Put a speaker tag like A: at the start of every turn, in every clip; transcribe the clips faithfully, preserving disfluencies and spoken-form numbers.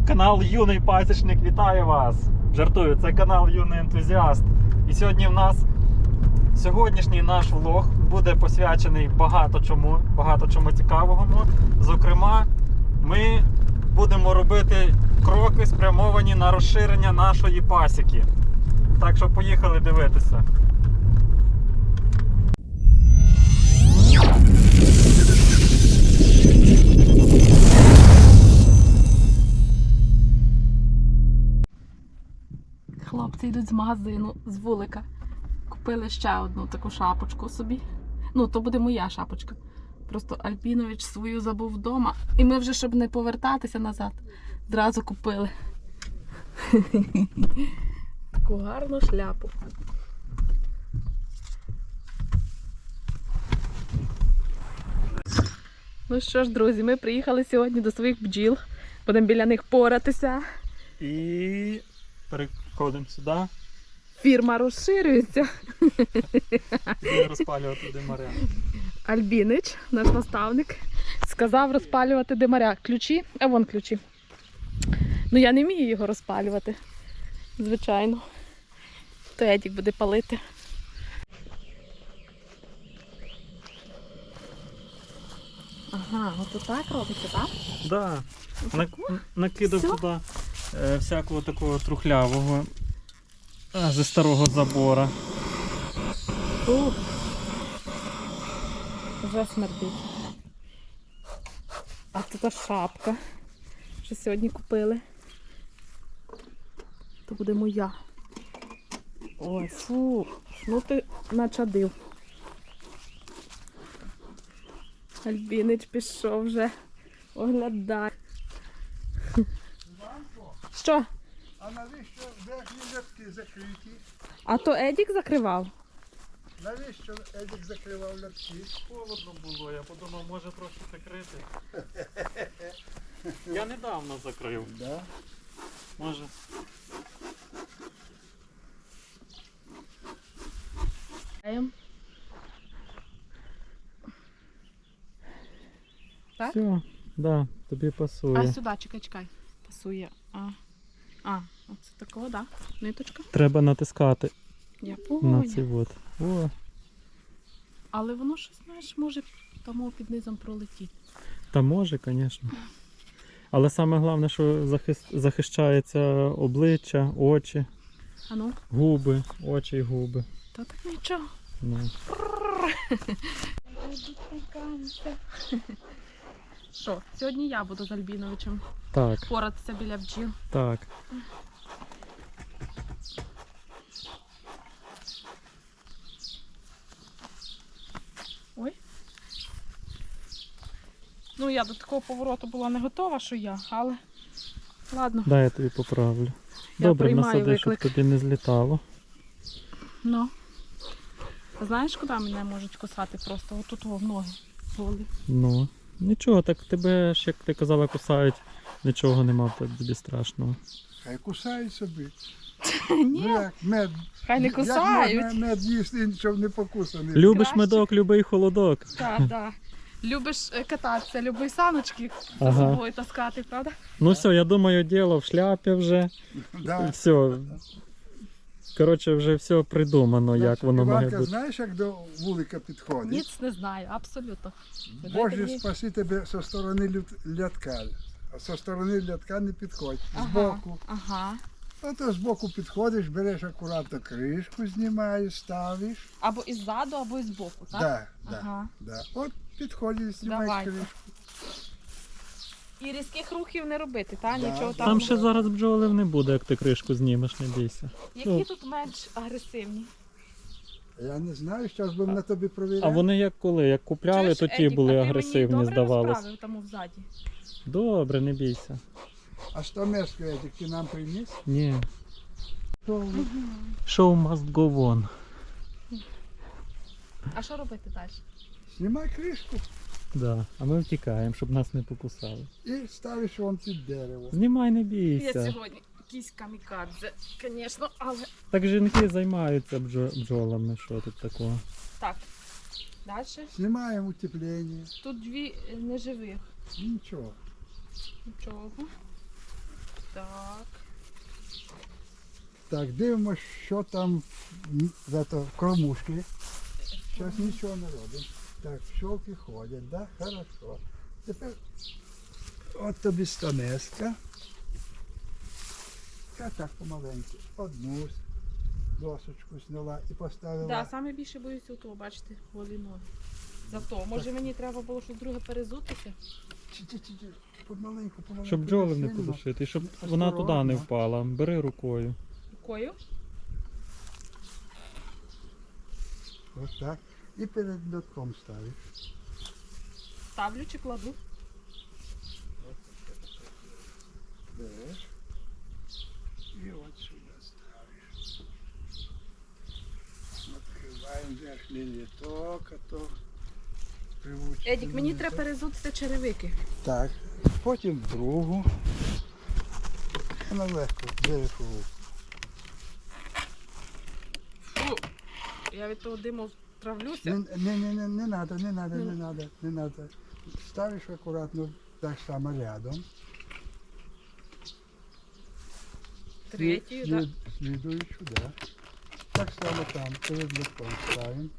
A: Канал Юний Пасічник вітає вас! Жартую, це канал Юний Ентузіаст. І сьогодні в нас сьогоднішній наш влог буде посвячений багато чому, багато чому цікавому. Зокрема, ми будемо робити кроки, спрямовані на розширення нашої пасіки. Так що поїхали дивитися.
B: Хлопці йдуть з магазину, з вулика. Купили ще одну таку шапочку собі. Ну, то буде моя шапочка. Просто Альпінович свою забув вдома. І ми вже, щоб не повертатися назад, зразу купили. Таку гарну шляпу. Ну що ж, друзі, ми приїхали сьогодні до своїх бджіл. Будемо біля них поратися.
A: І переходимо сюди.
B: Фірма розширюється.
A: І розпалювати димаря.
B: Альбінич, наш наставник, сказав розпалювати димаря. Ключі? А вон ключі. Ну я не вмію його розпалювати. Звичайно. То Едік буде палити. Ага, от так робиться, так?
A: Так. Да. Накидав
B: Всьо?
A: туди е, всякого такого трухлявого е, зі старого забора.
B: Ух. Вже смердить. А тут шапка, що сьогодні купили. То буде моя. Ой, фу, ну ти начадив. Альбінич пішов вже. Оглядай. Що?
C: А навіщо верхні лятки закриті?
B: А то Едік закривав?
C: Навіщо Едік закривав лятки?
A: Холодно було, я подумав, може трохи закрити. Я недавно закрив.
C: Да?
A: Може.
B: Так?
A: Все, да, тобі пасує.
B: А сюди, чекай, чекай. Пасує. А, а оце такого, так? Да? Ниточка.
A: Треба натискати
B: Я
A: на
B: поняла.
A: ці от. О,
B: Але воно щось, знаєш, може тому під низом пролетіти.
A: та може, звісно. Але саме головне, що захист... захищається обличчя, очі,
B: А ну?
A: губи, очі і губи.
B: Та так нічого.
A: Ну.
B: Що, сьогодні я буду з Альбіновичем
A: Так,
B: поратися біля бджіл.
A: так.
B: Ой. Ну, я до такого повороту була не готова, що я, але ладно.
A: Дай я тобі поправлю.
B: Я
A: Добре,
B: приймаю
A: насади, щоб
B: виклик.
A: тобі не злітало.
B: Ну. Знаєш, куди мене можуть кусати просто? Отут в ноги голі.
A: Ну, нічого, так тебе ж, як ти казала, кусають, нічого нема, так тобі страшного.
C: Хай кусають собі.
B: Ні,
C: Ну як мед.
B: хай не
C: Як
B: кусають.
C: можна мед їсти, щоб не покусаний?
A: Любиш
B: Краще.
A: медок, любий холодок.
B: Так, так. Любиш е, кататися, любиш саночки за
A: Ага.
B: собою таскати, правда?
A: Ну все, я думаю, діло в шляпі вже.
C: Да.
A: Все. Коротше, вже все придумано, як воно має
C: Іванка,
A: бути.
C: знаєш, як до вулика підходить?
B: Ніц не знаю, абсолютно. Ви дайте
C: Боже,
B: мені-
C: спаси тебе зі сторони лют- лятка. А зі сторони лятка не підходь. Збоку.
B: Ага.
C: А то збоку підходиш, береш акуратно кришку, знімаєш, ставиш.
B: Або іззаду, або із боку, так?
C: Да, да,
B: Ага.
C: да. От підходиш, знімаєш
B: Давайте.
C: кришку.
B: І різких рухів не робити, так?
C: Да.
B: Нічого там.
A: Там ще зараз бджолів не буде, як ти кришку знімеш, не бійся.
B: Які
A: Ну.
B: тут менш агресивні?
C: Я не знаю, зараз будемо на тобі провіряти.
A: А вони як коли? Як купляли,
B: Чуєш,
A: то ті
B: Едік,
A: були
B: а ти
A: агресивні,
B: мені добре
A: здавалось.
B: розправив тому взаді?
A: Добре, не бійся.
C: А що мешку, Едік, ти нам приніс?
A: Ні. Show must go on.
B: А що робити далі?
C: Знімай кришку
A: Да. А ми втікаємо, щоб нас не покусали.
C: і ставиш вон під дерево.
A: Знімай, не
B: Я
A: бійся.
B: сьогодні якийсь камікадзе, звісно, але...
A: Так жінки займаються бджо- бджолами, що тут такого.
B: Так, далі.
C: Знімаємо утеплення.
B: Тут дві е, неживих.
C: Нічого.
B: Нічого. Так.
C: Так, дивимося, що там в, в, ето, в кормушці. Зараз нічого не робимо. Так, пчелки ходять, да? Хорошо. Тепер от тобі станеска. Я так помаленьку. Одну досочку зняла і поставила.
B: Да, саме більше боюся того, бачите, голі ноги. Зато, може мені треба було щось друге перезутися?
C: Чи-чи-чи-чи, помаленьку, помаленьку.
A: Щоб бджоли не
C: сильно.
A: подушити, і щоб вона туди не
C: Осторожно.
A: впала. Бери рукою.
B: Рукою?
C: Ось так. І перед льотком ставиш.
B: Ставлю чи кладу?
C: Береш. І от сюди ставиш. Відкриваємо верхній літок, а то привучимо.
B: Едік, мені треба перезутися черевики.
C: Так, потім другу. Вона легко, береш у руку.
B: Фу, я від того диму травлюся.
C: Не, не, не, не, не надо, не надо, не надо, не надо. Ставиш акуратно так само рядом.
B: Третю,
C: Слід-
B: так.
C: слід- Слідуючу, да. Так само там, перед літком ставимо.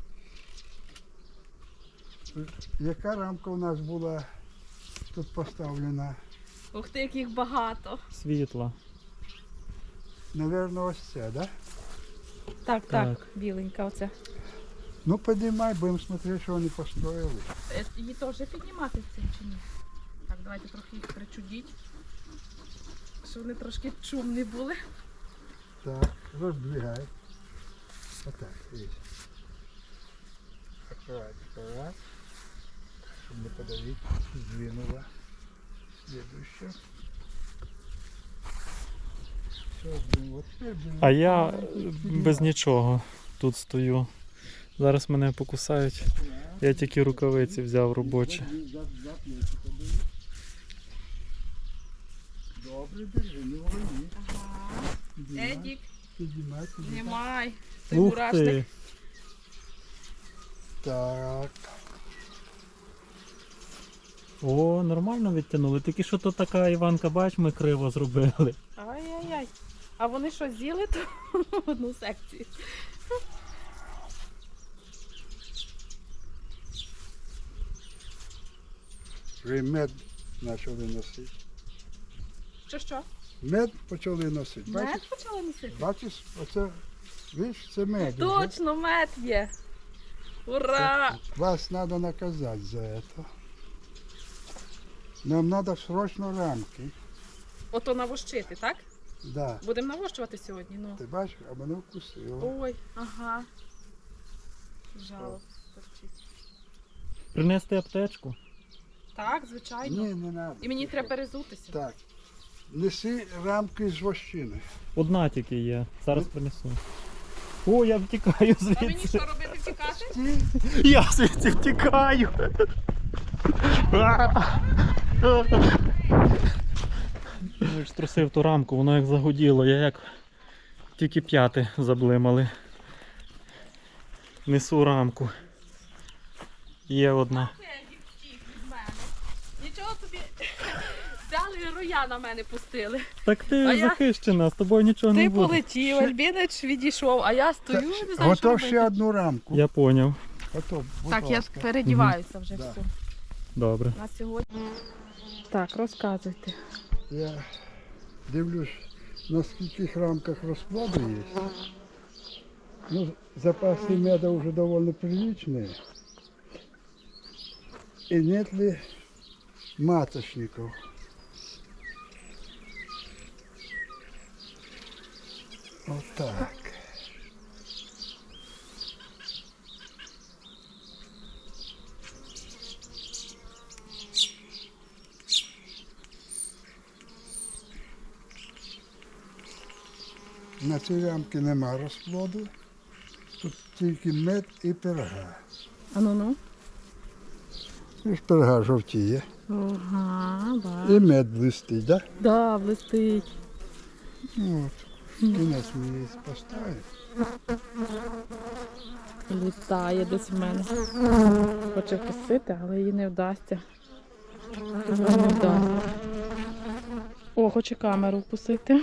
C: Яка рамка у нас була тут поставлена?
B: Ух ти, яких багато.
A: Світла.
C: Наверно, ось це, да?
B: Так, так,
A: Так.
B: біленька оця.
C: Ну, підіймай, будемо смотрети, що вони построїли.
B: Е, Її теж піднімати цим чи ні? Так, давайте трохи їх причудіть. Щоб вони трошки чумні були.
C: Так, роздвигай. Отак, видишь. Аккурат, аккурат. Чтобы не подавить. Сдвинула. Следующее. Все, сдвинула. Теперь берем
A: А я
C: маленький,
A: без
C: поднимай.
A: нічого тут стою. Зараз мене покусають. Я тільки рукавиці взяв робочі.
C: За- за плечика бери. Добре, держи, не урони.
B: Ага.
C: Піднімай,
B: Едік,
C: піднімай, піднімай.
B: знімай. Ти
A: Ух
B: мурашник.
A: ти!
C: Так.
A: О, нормально відтягнули. Тільки що то така Іванка, бач, ми криво зробили.
B: Ай-яй-яй. А вони що, з'їли ту одну секцію?
C: Вже мед почали носити.
B: Що, що?
C: Мед почали носити. Бачиш,
B: Мед почали носити?
C: бачиш, оце, видиш, це мед. уже.
B: Точно, мед є. Ура!
C: Вас треба наказати за це. Нам треба срочно рамки.
B: Ото навощити, так?
C: Да.
B: Будемо навощувати сьогодні, ну.
C: Ти бачиш, а мене вкусило.
B: Ой, ага. Жало. торчить.
A: Принести аптечку?
B: Так, звичайно.
C: Ні, не треба.
B: І мені треба перезутися.
C: Так. Неси рамки з вощини.
A: Одна тільки є. Зараз принесу. О, я втікаю
B: А мені
A: звідси.
B: що робити, втікати?
C: Ті,
A: Я звідси втікаю. Я ж струсив ту рамку, воно як загуділо, я як тільки п'яти заблимали. Несу рамку. Є одна.
B: Едік втік від мене. Нічого собі взяли роя на мене пустили.
A: Так ти
B: А я-
A: захищена, з тобою нічого не
B: Ти
A: буде.
B: полетів, Альбінич відійшов, а я стою, не знаю, що
C: готов ще
B: робити.
C: одну рамку.
A: Я поняв.
C: Готов, будь
B: Так, я
C: ласка.
B: передіваюся вже
C: Да.
B: все.
A: Добре.
B: На сьогодні. Так, розказуйте.
C: Я дивлюсь, на скольких рамках розкладу є. Ну, запасы меда уже довольно приличные. И нет ли маточников? Вот так. На цій рамці нема розплоду. Тут тільки мед і пирога.
B: А ну ну.
C: І ж пирога жовтіє.
B: Ага,
C: І
B: бачу.
C: мед блистить, да?
B: Да, блистить.
C: Ну, от. Кінець ми її поставимо.
B: Літає десь в мене. Хоче вкусити, але їй не вдасться. Їй не вдасться. О, О, хоче камеру вкусити.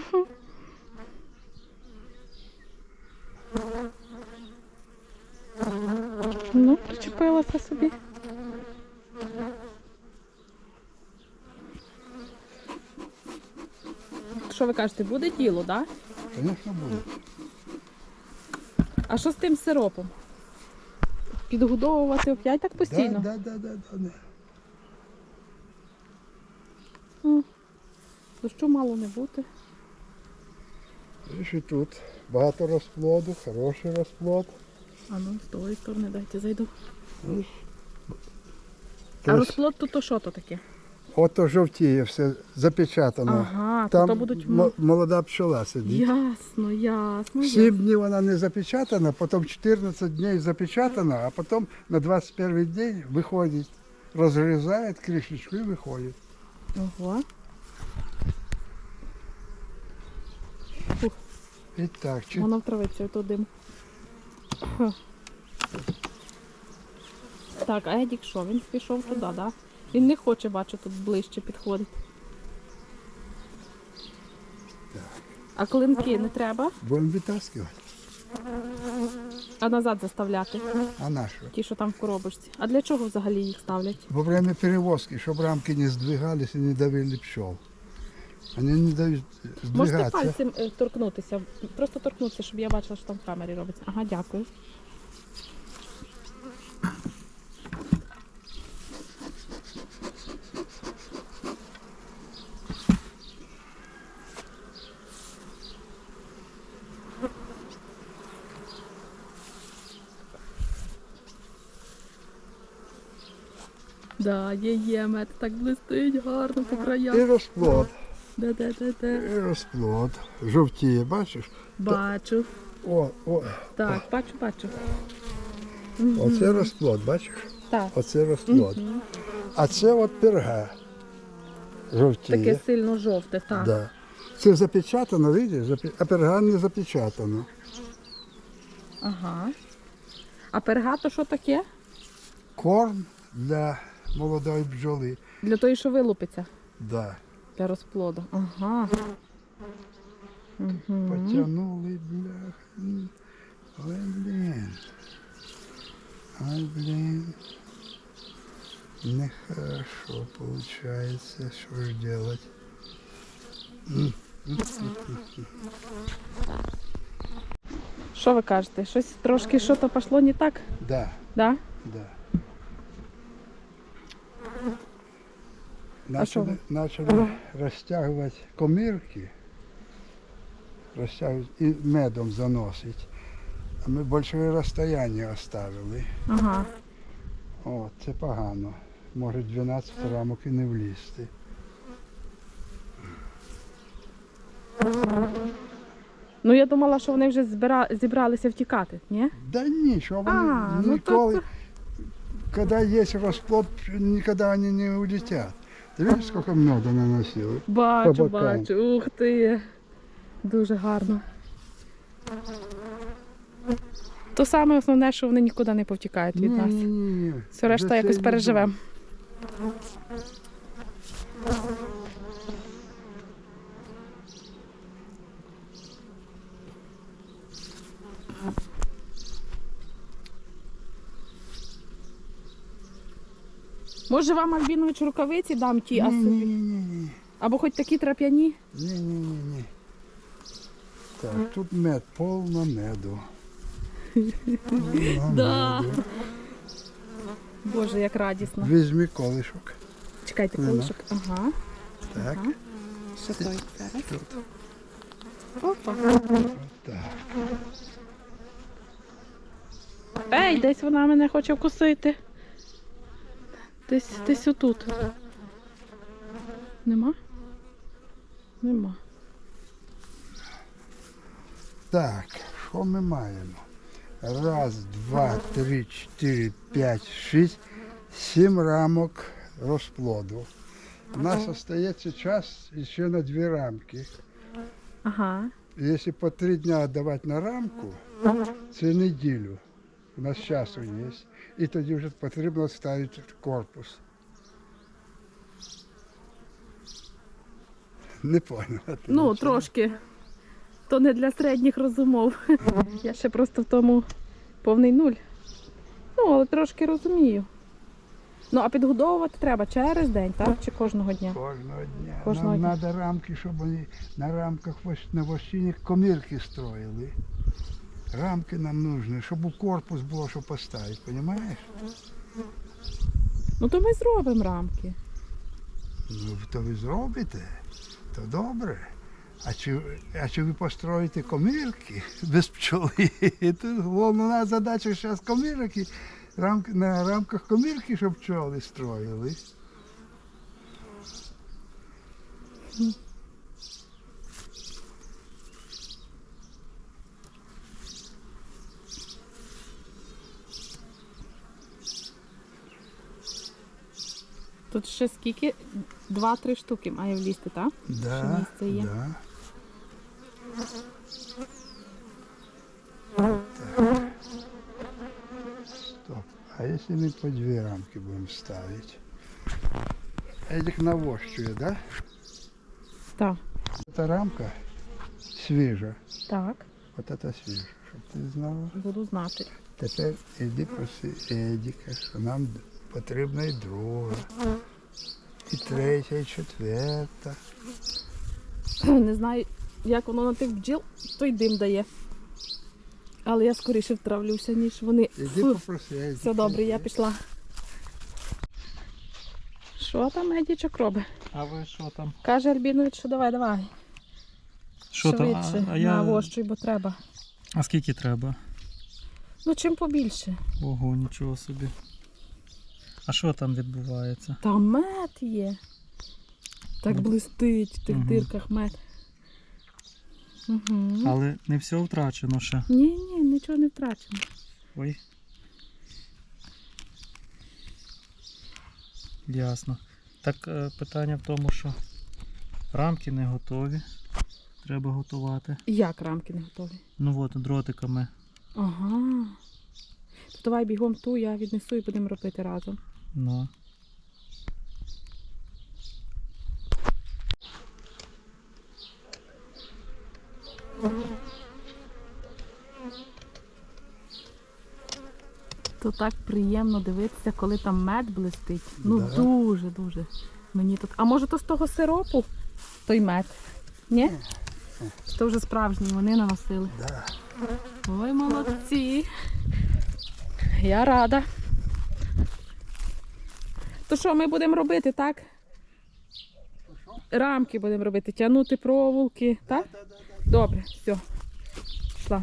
B: Ну, причепилася собі. Що ви кажете, буде діло, так? Да?
C: Звісно, буде.
B: А що з тим сиропом? Підгодовувати опять так постійно?
C: Да, да, да, да, да.
B: Ну, дощу мало не бути.
C: І тут багато розплоду, хороший розплод.
B: А ну, з тої сторони дайте зайду.
C: Ось.
B: А
C: Тож,
B: розплод то, то що то таке?
C: ото жовтіє все запечатано.
B: Ага, то,
C: Там
B: то будуть...
C: м- молода пчола сидить.
B: Ясно, ясно.
C: Сім
B: ясно.
C: днів вона не запечатана, потім чотирнадцять днів запечатана, а потім на двадцять перший день виходить, розрізає кришечку і виходить.
B: Ого. Фух,
C: І так, чи...
B: воно втравиться, ото дим. Хм. Так, а Едік що? Він пішов туди, так? Да? Він не хоче, бачу, тут ближче підходить. А клинки не треба?
C: будемо витаскувати.
B: А назад заставляти?
C: А на що?
B: Ті, що там в коробочці. А для чого взагалі їх ставлять?
C: Во время перевозки, щоб рамки не здвигались і не давили пчел. Вони не дають
B: Можете
C: здвигатися.
B: пальцем е, торкнутися, просто торкнутися, щоб я бачила, що там в камері робиться. Ага, дякую. Да, є, є, мед так блистить гарно по
C: І
B: краях.
C: розплод,
B: Де, де, де, де.
C: і розплод. Жовтіє, бачиш?
B: Бачу.
C: О, о,
B: Так, бачу, бачу.
C: оце розплод, бачиш?
B: Так.
C: Оце розплод. А це от перга. Жовтіє.
B: Таке сильно жовте, так.
C: Да. Це запечатано, видиш? Запе- А перга не запечатано.
B: Ага. А перга то що таке?
C: Корм для молодої бджоли.
B: Для того, що вилупиться.
C: Да.
B: Для розплоду. Ага. Угу.
C: Потягнули, бля. Ой, блін. Ой, блін. Нехорошо получается. Что же делать?
B: Що ви кажете? Щось трошки що то пішло не так?
C: Да,
B: Да?
C: да.
B: А що
C: Начали, начали розтягувати комірки, розтягувати і медом заносить. А ми більше розстояння оставили.
B: Ага.
C: О, це погано. Може дванадцять рамок і не влізти.
B: Ну я думала, що вони вже збира... зібралися втікати, ні?
C: Да нічого, вони
B: А, ну
C: ніколи,
B: то-
C: коли є розплод, ніколи вони не улетять. Ти бачиш, скільки меду наносили?
B: Бачу,
C: По бокам.
B: бачу. Ух ти. Дуже гарно. То саме основне, що вони нікуди не повтікають від нас.
C: Ні-ні-ні.
B: Все решта
C: За це
B: якось
C: не
B: переживемо. Може вам, Альбінович, рукавиці дам ті, а собі?
C: Ні-ні-ні.
B: Або хоч такі трап'яні?
C: Ні-ні-ні. Так, тут мед, повно меду. Повно
B: Да.
C: меду.
B: Боже, як радісно.
C: Візьми колишок.
B: Чекайте,
C: Нема.
B: колишок. Ага.
C: Так,
B: Ага. Що той зараз?
C: тут.
B: Опа.
C: Так.
B: Ей, десь вона мене хоче вкусити. Десь, десь отут. Нема? Нема.
C: Так, що ми маємо? Раз, два, три, чотири, п'ять, шість, сім рамок розплоду. У нас залишається час ще на дві рамки.
B: Ага.
C: Якщо по три дні давати на рамку, це неділю. У нас часу є. І тоді вже потрібно ставити корпус. Не поняла. ти
B: Ну,
C: нічого?
B: трошки. То не для середніх розумов. Я ще просто в тому повний нуль. Ну, але трошки розумію. Ну, а підгодовувати треба через день, так? Чи кожного дня?
C: Кожного дня.
B: Кожного
C: Нам
B: дня.
C: треба рамки, щоб вони на рамках вось- на вощині комірки строїли. Рамки нам нужні, щоб у корпус було, що поставити, розумієш?
B: Ну, то ми зробимо рамки.
C: Ну, то ви зробите, то добре. А чи, а чи ви построїте комірки без пчоли? Тут головна задача зараз комірки, рамки, на рамках комірки, щоб пчоли строїли.
B: Тут ще скільки? Два-три штуки має влізти, так? Ще
C: Да,
B: місце є.
C: да. Так. Стоп. А если мы по две рамки будем ставить? Эдик навощує, да?
B: Так.
C: Эта рамка свіжа.
B: Так,
C: Вот это свіжа, щоб ти знала.
B: буду знати.
C: Тепер іди проси Едіка, що нам потрібна і друга, і третя, і четверта.
B: Не знаю, як воно на тих бджіл, той дим дає. Але я скоріше втравлюся, ніж вони.
C: Іди
B: Фу.
C: попроси Едіка.
B: Все добре, я пішла. Що там Едічок робить?
A: А ви що там?
B: Каже Альбінович, що давай, давай.
A: Що там?
B: Швидше,
A: А, а я...
B: навощуй, бо треба.
A: А скільки треба?
B: Ну, чим побільше.
A: Ого, нічого собі. А що там відбувається?
B: Там мед є. Так
A: Ну,
B: блистить в тих
A: мгм.
B: дирках мед. Угу.
A: Але не все втрачено ще.
B: Ні, ні, нічого не втрачено.
A: Ой. Ясно. Так е, питання в тому, що рамки не готові. Треба готувати.
B: Як рамки не готові?
A: Ну от, дротиками.
B: Ага. То давай бігом ту, я віднесу і будемо робити разом.
A: Ну.
B: То так приємно дивитися, коли там мед блистить. Ну
C: Да.
B: дуже, дуже. Мені тут. А може то з того сиропу? Той мед? Ні? Чи то вже справжній, вони наносили.
C: Да.
B: Ой, молодці. Я рада. То що ми будемо робити, так? Рамки будемо робити, тягнути проволоки, так? Добре, все. Пішла.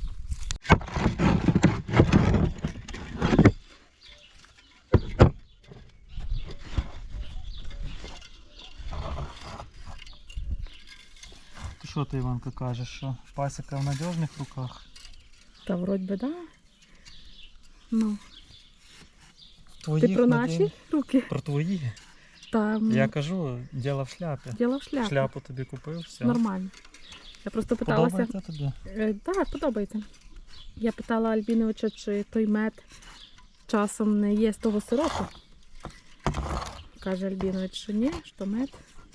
A: Ти що ти, Іванка, кажеш, що пасіка в надіжних руках?
B: Та вроді би, да. Ну,
A: Твої
B: ти про наші руки?
A: Про твої.
B: Там
A: Я кажу, діло в шляпі.
B: діло в шляпу.
A: Шляпу тобі купив, все.
B: Нормально. Я просто питалася.
A: Подобається тобі?
B: Е, Так, подобається. Я питала Альбіновича, чи той мед часом не є з того сиропу. Каже Альбінович, що ні, що мед.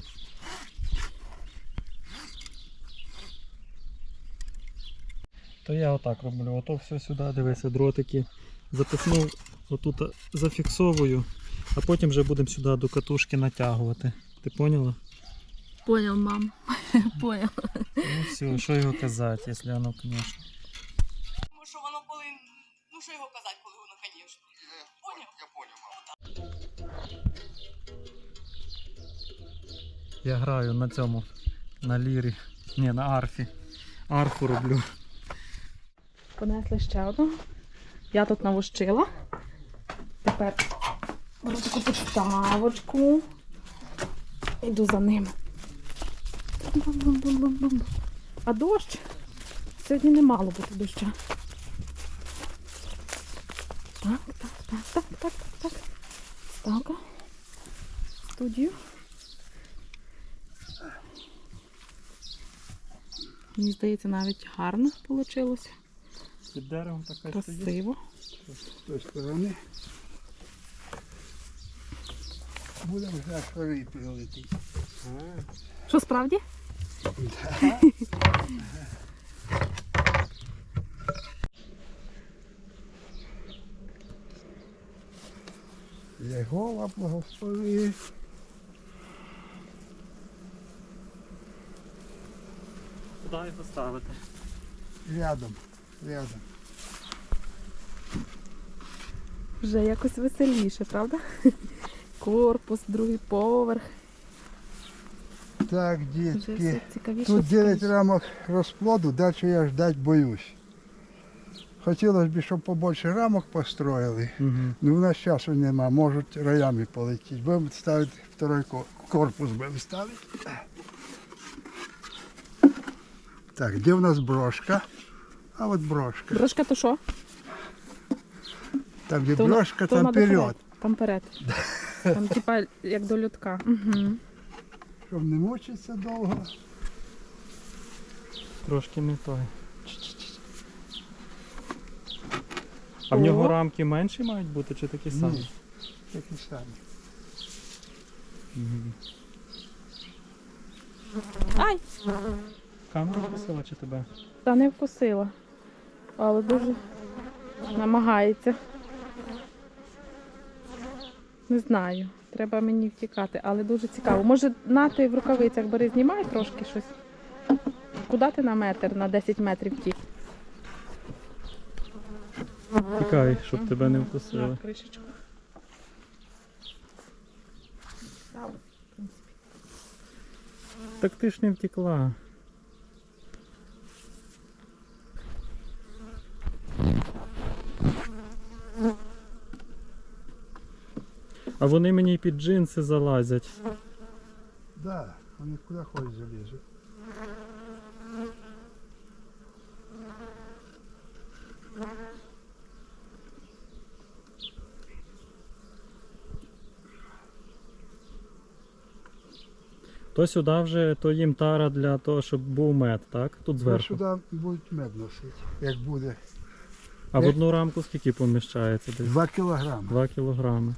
A: То я отак роблю. Ото все сюди, дивися, дротики. Запихнув, отут зафіксовую, а потім вже будемо сюди до катушки натягувати. Ти поняла?
B: Понял, мам. Понял.
A: Ну все, що його казати, якщо воно, звісно.
D: Тому що воно коли. Ну що його казати, коли воно, звісно. Поняв? Я поняв, мама.
A: Я граю на цьому, на лірі, ні, на арфі. Арфу роблю.
B: Понесли ще одну. Я тут навощила. Тепер беру таку підставочку. Йду за ним. Бум-бум-бум-бум-бум. А дощ? Сьогодні не мало бути доща. Так, так, так, так, так, так, так. Ставка. Студію. Мені здається, навіть гарно вийшло.
A: Під деревом така
B: Красиво.
C: З тої сторони. Будемо зараз шари прилетіти.
B: Що, справді?
C: Єгова благослови.
A: Куди його ставити?
C: Рядом, рядом.
B: Вже якось веселіше, правда? Корпус, другий поверх.
C: Так,
B: Вже
C: дітки.
B: все цікавіше.
C: Тут дев'ять
B: цікавіше.
C: рамок розплоду, далі я ждать боюсь. Хотілося б, щоб побільше рамок построїли.
A: Угу.
C: Ну, у нас часу нема, можуть роями полетіти. Будемо ставити второй ко- корпус, будемо ставити. Так, де у нас брошка? А от брошка.
B: Брошка то що?
C: Там, де
B: То вона-
C: брошка,
B: то
C: там
B: вона
C: вперед.
B: доперед. Там перед. Там типа як до льотка. Угу.
C: Щоб не мучитися довго.
A: Трошки не той. А в нього
B: О.
A: рамки менші мають бути чи такі самі?
C: Ні, такі самі.
A: Мгм.
B: Ай!
A: Камера вкусила чи тебе?
B: Та не вкусила. Але дуже намагається. Не знаю. Треба мені втікати, але дуже цікаво. Може, на ти в рукавицях бери, знімай трошки щось. Куди ти на метр, на десять метрів втік?
A: Тікай, щоб тебе не
B: На
A: вкусили.
B: кришечку. Став, в принципі.
A: Так ти ж не втекла. А вони мені й під джинси залазять.
C: Да, вони куди хочуть залізуть.
A: То сюди вже, то їм тара для того, щоб був мед, так? Тут
C: Ну,
A: зверху.
C: сюди будуть мед носити, як буде.
A: А в одну рамку скільки поміщається десь?
C: Два кілограми.
A: Два кілограми.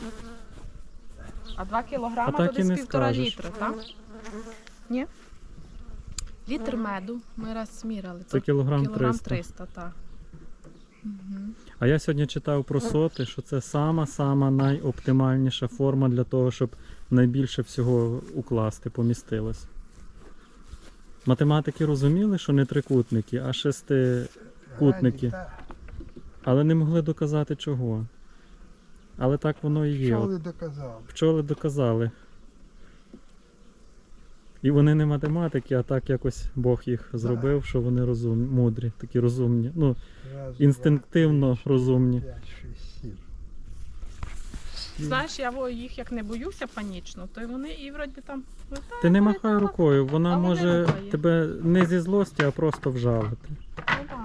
B: А два кілограма
A: А так
B: то
A: і
B: десь
A: не
B: півтора
A: скажеш.
B: літра, так? Ні? Літр меду ми раз сміряли.
A: Це
B: то
A: кілограм
B: кілограм
A: триста.
B: триста, так. Угу.
A: А я сьогодні читав про соти, що це сама-сама найоптимальніша форма для того, щоб найбільше всього укласти, помістилось. Математики розуміли, що не трикутники, а шестикутники,
C: Та,
A: але не могли доказати чого. Але так воно і є.
C: Що
A: От
C: ви доказали?
A: пчоли доказали. І вони не математики, а так якось Бог їх зробив, що вони розум... мудрі, такі розумні. Ну,
C: Раз,
A: інстинктивно
C: два, три,
A: розумні.
C: п'ять, шість, сім. Сім.
B: Знаєш, я во- їх як не боюся панічно, то й вони і вроді там летають,
A: Ти не махай
B: летають.
A: рукою, вона
B: Але не
A: може
B: рухає.
A: тебе не зі злості, а просто вжалити.
B: Ну, да.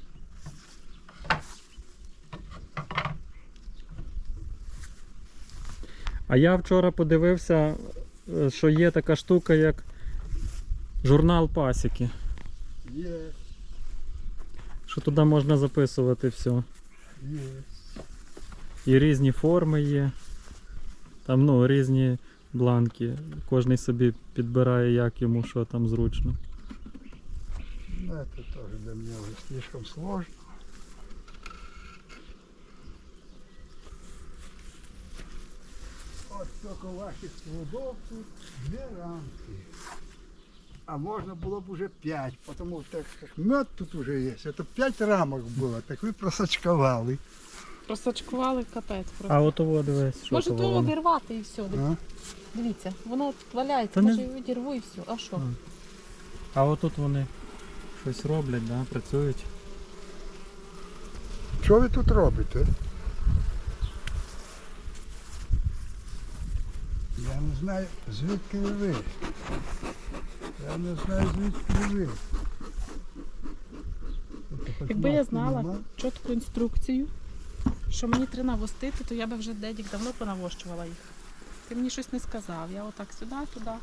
A: А я вчора подивився, е, що є така штука, як журнал пасіки.
C: Є,
A: Що туди можна записувати все.
C: є.
A: І різні форми є. Там ну, різні бланки. Кожний собі підбирає, як йому, що там зручно.
C: Ну, это тоже для меня уже слишком сложно. Вот только ваших плодов тут две рамки. А можно было бы уже пять, потому что так как мед тут уже есть. Это пять рамок было, так вы просочковали.
B: Просачкували капець просто.
A: А от ово дивись, що
B: Може
A: то
B: то
A: воно.
B: обірвати і все.
C: А?
B: Дивіться, воно валяється,
A: Та не-
B: може і відірву і все. А що?
A: А отут вони щось роблять, да? Працюють.
C: Що ви тут робите? Я не знаю, звідки ви. Я не знаю, звідки ви. Тут хоч
B: Якби я
C: маски
B: знала
C: нема.
B: чітку інструкцію, що мені треба навостити, то я би вже дедік давно понавощувала їх. Ти мені щось не сказав. Я отак сюди, туди.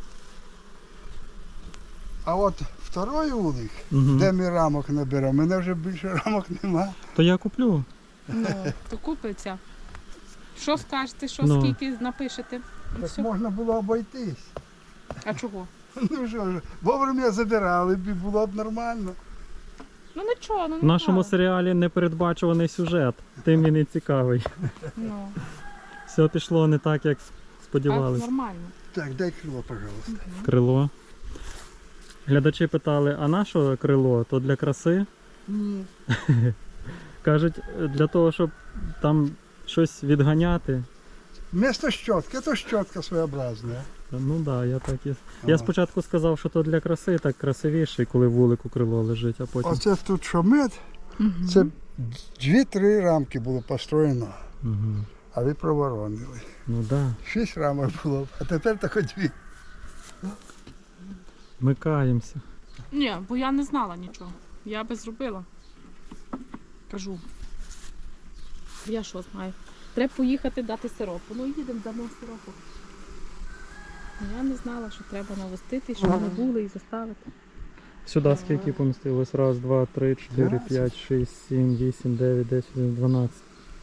C: А от второй улик,
A: Угу.
C: де ми рамок наберемо, мене вже більше рамок нема.
A: То я куплю.
B: Ну, то купиться. Що скажете, що
A: Ну.
B: скільки напишете? І
C: Так
B: все.
C: можна було обойтись.
B: А чого?
C: Ну що ж, вовремя забирали б і було б нормально.
B: Ну нічого, ну
A: В нашому
B: нічого.
A: серіалі непередбачуваний сюжет, тим і не цікавий.
B: Ну,
A: Все пішло не так, як
B: а
A: сподівалися.
B: нормально.
C: Так, дай крило, пожалуйста.
A: Крило. Глядачі питали, а на що крило? То для краси?
C: Ні.
A: Кажуть, для того, щоб там щось відганяти.
C: Вместо щотки, то щотка своєобразна.
A: Ну так, да, я так і. Я
C: Ага.
A: спочатку сказав, що то для краси, так красивіше, коли вулику крило лежить, а потім.
C: Оце тут що мед,
B: Мгм.
C: це дві-три рамки було построєно,
A: Угу.
C: а ви проворонили.
A: Ну так. Да.
C: Шість рамок було, а тепер тільки дві.
A: Ми каємося.
B: Ні, бо я не знала нічого. Я би зробила. Кажу. Я що знаю? Треба поїхати дати сиропу. Ну їдемо, дамо сиропу. Я не знала, що треба навестити, щоб не були і заставити.
A: Сюди скільки помістилось? Раз, два, три, чотири,
C: Двадцять.
A: п'ять, шість, сім, вісім, дев'ять, десять, дванадцять.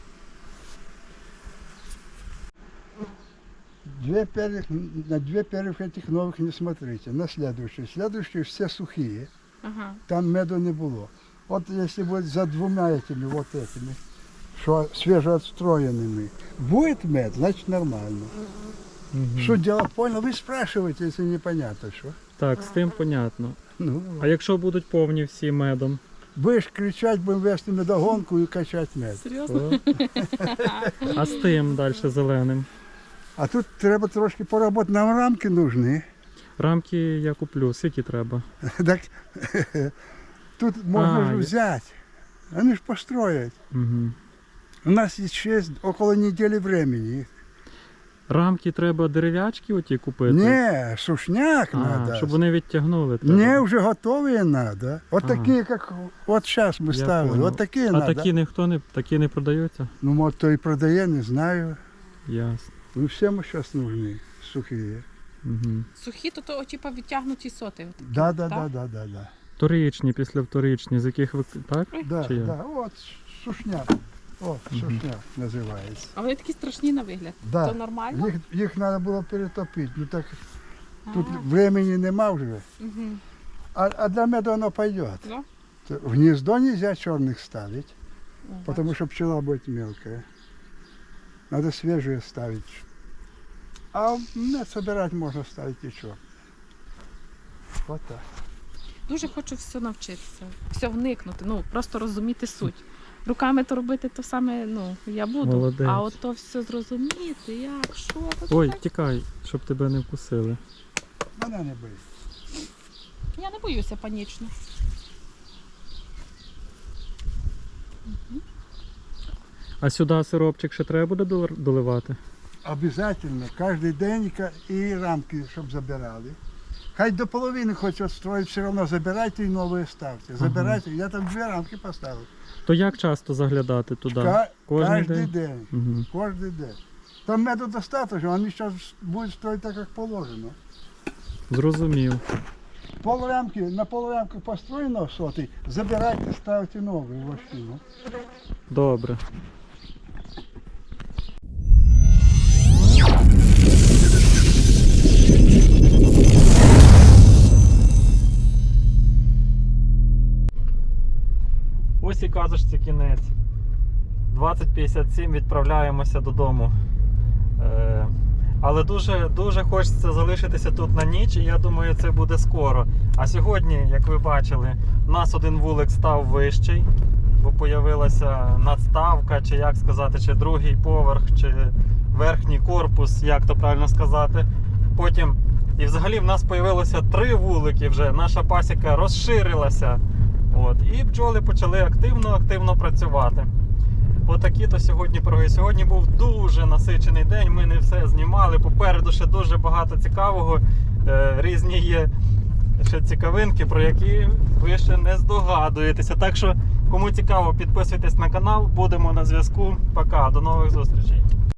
C: Две первых, на две первых этих новых не смотрите, на следующие. Следующие все сухие,
B: Ага.
C: там меду не было. Вот если будет за двумя этими, вот этими, что свежеотстроенными, будет мед, значит нормально.
A: Угу.
C: Что делать, понял? Вы спрашиваете, если непонятно, что.
A: Так, з тим понятно.
C: Ну,
A: А якщо будуть повні всі медом?
C: будешь кричать, будем вести медогонку и качать мед.
B: Серйозно?
A: то- А з тим далі зеленим?
C: А тут треба трошки поработать, нам рамки нужны.
A: Рамки я куплю, скільки треба?
C: Так тут можно
A: А,
C: же
A: я-
C: взять. Они ж построят.
A: Угу.
C: У нас есть шесть, около недели времени.
A: Рамки треба дерев'ячки оті купити?
C: Не, сушняк
A: а,
C: надо.
A: щоб вони відтягнули. Треба.
C: Не, уже готовые надо. Вот
A: А.
C: такие, как вот сейчас мы
A: Я
C: ставили.
A: понял.
C: Вот такие
A: А
C: надо.
A: такі ніхто не, такі не продаються?
C: Ну, может, то и продає, не знаю.
A: Ясно.
C: Ну, всем сейчас нужны сухие.
A: Угу.
B: Сухі, то то типа відтягнуті соти.
C: Да, да,
B: Так?
C: да, да, да, да.
A: Вторичні, після вторичні, з яких ви... Так?
C: Да,
A: Чи як?
C: да, вот сушняк. О, сушняк називається.
B: А вони такі страшні на вигляд.
C: Да.
B: То нормально?
C: Їх, їх треба було перетопити. Ну так тут
B: А,
C: времени нема вже.
B: мгм.
C: А, а для меда оно пойдет.
B: Да?
C: То в гнездо нельзя черных ставить,
B: О,
C: потому что пчела будет мелкая. Надо свежие ставить. А мед собирать можно ставить и что. Вот так.
B: Дуже хочу все навчитися, все вникнути, ну просто розуміти суть. Руками то робити то саме, ну я буду,
A: Молодець.
B: а от то все зрозуміти, як, що. то
A: Ой,
B: так.
A: тікай, щоб тебе не вкусили.
C: Она не боится.
B: Я не боюся панічно.
A: А сюди сиропчик ще треба буде долар- доливати?
C: Обязательно. Каждый день ка- и рамки, чтобы забирали. Хоть до половины хоть отстроить, все равно забирайте и новые ставьте. Забирайте. Я там две рамки поставил.
A: То як часто заглядати туди?
C: Ка-
A: Кожний
C: каждый
A: день?
C: день.
A: Угу.
C: Каждый день. Там меду достаточно, они сейчас будут строить так, как положено.
A: Зрозумів.
C: Пол рамки, на пол рамки построено сотый, забирайте, ставьте новые в машину.
A: Добре. Ось і казочці кінець. двадцять п'ятдесят сім відправляємося додому. Е, але дуже, дуже хочеться залишитися тут на ніч, і я думаю, це буде скоро. А сьогодні, як ви бачили, у нас один вулик став вищий, бо появилася надставка, чи як сказати, чи другий поверх, чи верхній корпус, як то правильно сказати. Потім, і взагалі в нас появилося три вулики вже, наша пасіка розширилася. От, і бджоли почали активно-активно працювати. Отакі то сьогодні пироги. Сьогодні був дуже насичений день, ми не все знімали. Попереду ще дуже багато цікавого. Е, різні є ще цікавинки, про які ви ще не здогадуєтеся. Так що, кому цікаво, підписуйтесь на канал, будемо на зв'язку. Пока, до нових зустрічей.